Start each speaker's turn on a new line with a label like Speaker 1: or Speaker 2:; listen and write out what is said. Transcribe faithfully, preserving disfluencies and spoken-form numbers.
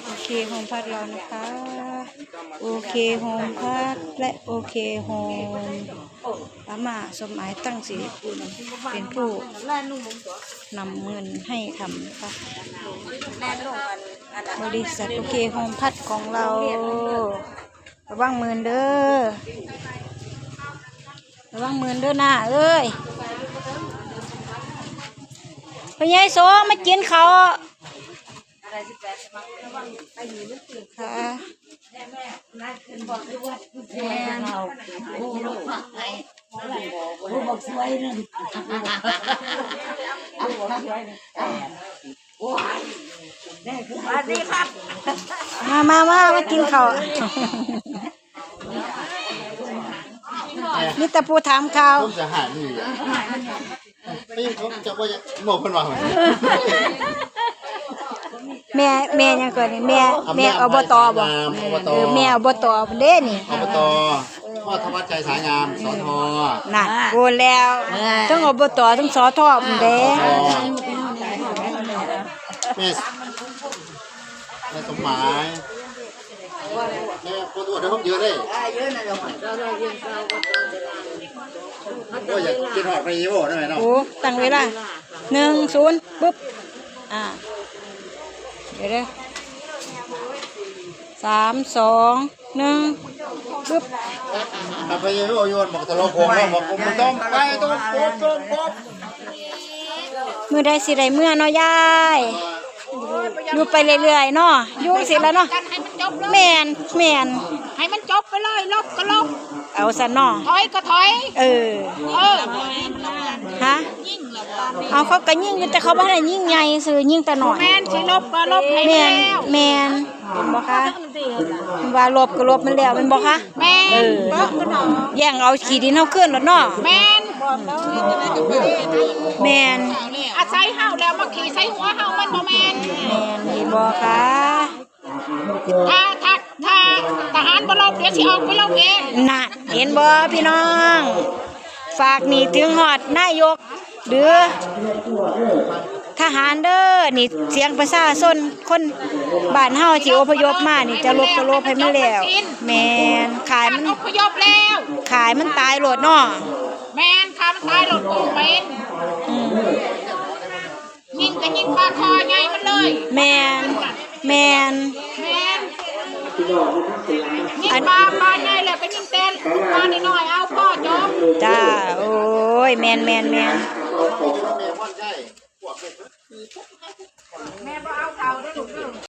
Speaker 1: โอเคโฮมพัดเรานะคะโอเคโฮมพัดและโอเคโฮมอาม่าสมหมายตั้งสิริกุลเป็นผู้นำเงินให้ทำนะคะบริษัทโอเคโฮมพัดของเราระวังมือเด้อระวังมือเด้อหน้าเอ้ยไปยัยโซมากินเขาค่ะ
Speaker 2: บอกสวยนึงสวัสดีครับ
Speaker 1: มามามามากินเขานี่ตะปูถามข่าว
Speaker 3: จะหานี่อ่ะไม่เขาจะว่าหมกคนว่า
Speaker 1: แม่แม่ยังก่อนนี่แม่แม่อบตบ่เออแม่อบตเด้นี่
Speaker 3: อบตพ่อธวัชชัยสายงามสท
Speaker 1: น่ะโกนแล้วทั้งอบตทั้งสทเด้
Speaker 3: แม่แม่สมหมายแม่คนตัวเดี๋ยวผมเยอะเลยเยอะนะเดี๋ยวเราเราเยอะเราก็อยากกินหอดไปยี่ห้อได้ไหมเนาะ
Speaker 1: โอ้ตั้งเวลาหนึ่งศูนย์ปุ๊บอ่าเดี๋ยวเด้อสามสองหนึ่งปุ๊บ
Speaker 3: ไปยี่ห้อโยนบอกตลกโกงแล้วบอกผมต้องไปต้องโกงต้องโกง
Speaker 1: มือได้สิได้เมื่อเนาะยายอยู่ไปเรื่อยๆเนาะยุ่งสิแล้วเนาะแมนแมน
Speaker 2: ให้มันจบไปเลยลบก็ลบ
Speaker 1: เอาซะเนาะ
Speaker 2: ถอยก็ถอย
Speaker 1: เออ
Speaker 2: เออ
Speaker 1: ฮะเอาเขาก็ยิ่งแต่เขาไม่ได้ยิ่งใหญ่ซื้อยิ่งแต่หน่อย
Speaker 2: แมนสิลบก็ลบให้
Speaker 1: แมน
Speaker 2: แล้ว
Speaker 1: แมนเป็นบ่คะว่าลบก็ลบมันแล้วเป็นบ่คะ
Speaker 2: แมน
Speaker 1: แย่งเอาขี้ดินเอาขึ้นแล้วเนาะ
Speaker 2: แมน
Speaker 1: แมน
Speaker 2: อาศัยเฮาแล้วมาขี่ใส่หัวเฮามันบ่แมน
Speaker 1: แมนเห็นบ่คะ
Speaker 2: ถ้าถ้าถ้าทหารบ่ลบเดี๋ยวสิออกไปลบเอง
Speaker 1: น่ะเห็นบ่พี่น้องฝากนี่ถึงฮอดนายกหรือทหารเด้อนี่เสียงประชาชนคนบ้านเฮาที่อพยพมานี่จะลบจะลบให้มันแล้วแม่นขายมัน
Speaker 2: อพยพแล้ว
Speaker 1: ขายมันตายโลดเนาะ
Speaker 2: แม่นค่ะมันตายโลดกูเป็นยิงก็ยิงปลาคอใหญ่มันเลย
Speaker 1: แม่นแม่น
Speaker 2: แม่นยิงปลาปลาใหญ่แล้วก็ยิงเต้นปลาน้อยๆเอาพ่อจบ
Speaker 1: จ้าโอ้ยแม่นแม่นแม่น
Speaker 2: แม่บ่เอาเท่าได้ลูก